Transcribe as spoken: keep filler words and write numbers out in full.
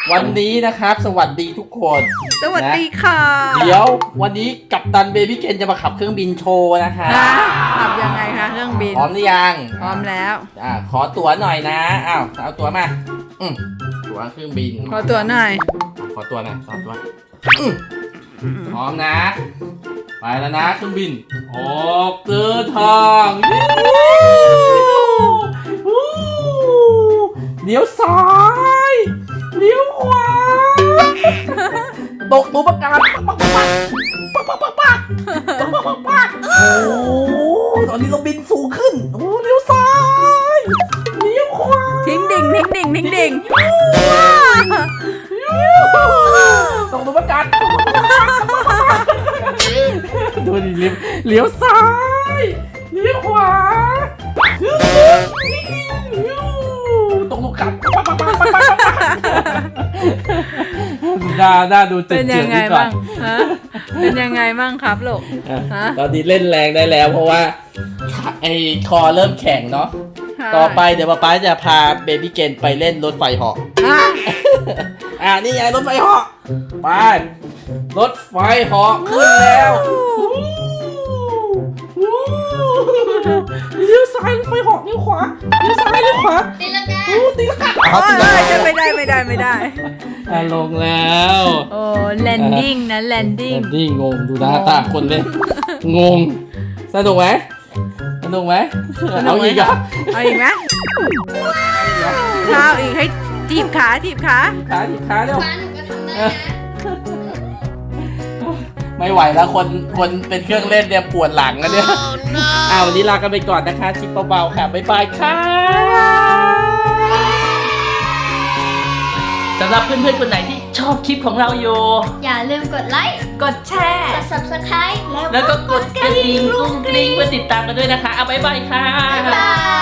วันนี้นะครับสวัสดีทุกคนสวัสดีค่ะเดี๋ยววันนี้กัปตันเบบี้เกนจะมาขับเครื่องบินโชว์นะคะขับยังไงคะเครื่องบินพร้อมหรือยังพร้อมแล้วอ่าขอตั๋วหน่อยนะอ้าวเอาตั๋วมาอืมตั๋วเครื่องบินขอตัวหน่อยขอตั๋วหน่อยขอตั๋วอืมพร้อมนะ ไปแล้วนะเครื่องบินออกเดินทางเลี้ยวซ้ายเลี้ยวขวาตกตัวประกันปักปักปักปักปักปักปักปักปักปักโอ้ตอนนี้เราบินสูงขึ้นโอ้เลี้ยวซ้ายเลี้ยวขวาทิ้งดิ่งทิ้งดิ่งทิ้งดิ่งตกตัวประกันดูดิเลี้ยวเลี้ยวซ้ายเลี้ยวขวาตกลูกกลับน่าน่าดูเจ็บเป็นเจ็ยับงไงดีกว่าบ้างฮะเป็นยังไงบ้างครับลูกฮะตอนนี้เล่นแรงได้แล้วเพราะว่าไอ้คอเริ่มแข็งเนาะต่อไปเดี๋ยวป๊าป๊าจะพาเบบี้เกนไปเล่นรถไฟเหาะฮะอ่านี่ไงรถไฟเหาะไปรถไฟเหาะขึ้นแล้วเลี้ยวซ้ายรถไฟเหาะเลี้ยวขวาเลี้ยวซ้ายเลี้ยวขวาตีลังกาโอ้ตีลังกาโอ้ยจะไม่ได้ไม่ได้ไม่ได้อ่ะลงแล้วโอ้แลนดิ้งนะแลนดิ้งนี่งงดูหน้าตาคนเล่นงงสนุกไหมสนุกไหมเอาอีกเหรอเอาอีกไหมข้าวอีกให้ทีบขาทีบขาขาดิขาเร็วฟ้าหนูก็ทำได้นะไม่ไหวแล้วคนคนเป็นเครื่องเล่นเนี่ยปวดหลังอะเนี่ยอ้าววันนี้ลากันไปก่อนนะคะชิปเบาๆค่ะบ๊ายบายค่ะสำหรับเพื่อนๆคนไหนที่ชอบคลิปของเราอยู่อย่าลืมกดไลค์กดแชร์กด ซับสไครบ์แล้วก็กดกระดิ่งกรุ้งกริ้งเพื่อติดตามกันด้วยนะคะเอาบ๊ายบายค่ะบ๊ายบาย